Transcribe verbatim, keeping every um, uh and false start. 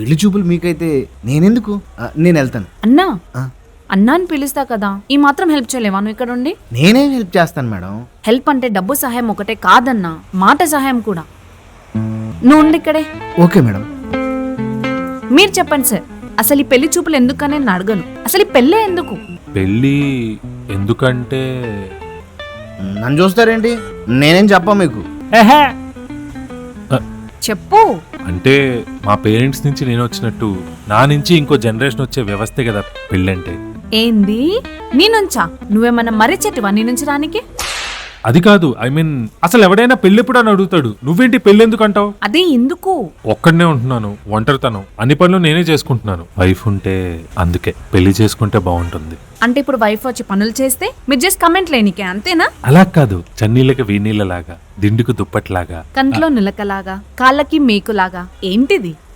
పెళ్లి చూపులు మీకైతే నేనెందుకు? ఆ, నేను వెళ్తాను. అన్నా ఆ, అన్నా అని పిలుస్తా కదా, ఈ మాత్రం హెల్ప్ చేయలేవా నువ్వు ఇక్కడ ఉండి? నేనేం హెల్ప్ చేస్తాను మేడం. హెల్ప్ అంటే డబ్బు సహాయం ఒకటే కాదన్నా, మాట సహాయం కూడా. నువ్వు ఉండి ఇక్కడే. Okay madam. మీరు చెప్పండి సార్, అసలు ఈ పెళ్లి చూపులు ఎందుకని నేను అడగను. అసలు ఈ పెళ్ళే ఎందుకు? పెళ్ళి ఎందుకంటే నన్ను చూస్తారేంటి? నేనేం చెప్పా మీకు. చెప్పు. అంటే మా పేరెంట్స్ నుంచి నేను వచ్చినట్టు నా నుంచి ఇంకో జనరేషన్ వచ్చే వ్యవస్థే కదా పెళ్ళంటే. ఏంది నీ నుంచా? నువ్వేమన్నా మరిచెట్టువా నీ నుంచి రానికి? అది కాదు, ఐ మీన్ అసలు ఎవడైనా పెళ్ళెప్పుడు అని అడుగుతాడు, నువ్వేంటి పెళ్ళి ఎందుకు అంటావు? అదే ఎందుకు? ఒక్కడనే ఉంటున్నాను, ఒంటరితనం, అన్ని పనులు నేనే చేసుకుంటున్నాను. వైఫ్ ఉంటే అందుకే పెళ్లి చేసుకుంటే బాగుంటుంది. అంటే ఇప్పుడు వైఫ్ వచ్చి పనులు చేస్తే మీరు జస్ట్ కమెంట్ లేనికే అంతేనా? అలా కాదు, చన్నీళ్ళకి వీనీళ్ళలాగా, దిండుకు దుప్పట్లాగా. కంట్లో నిలకలాగా, కాళ్ళకి మేకులాగా. ఏంటిది?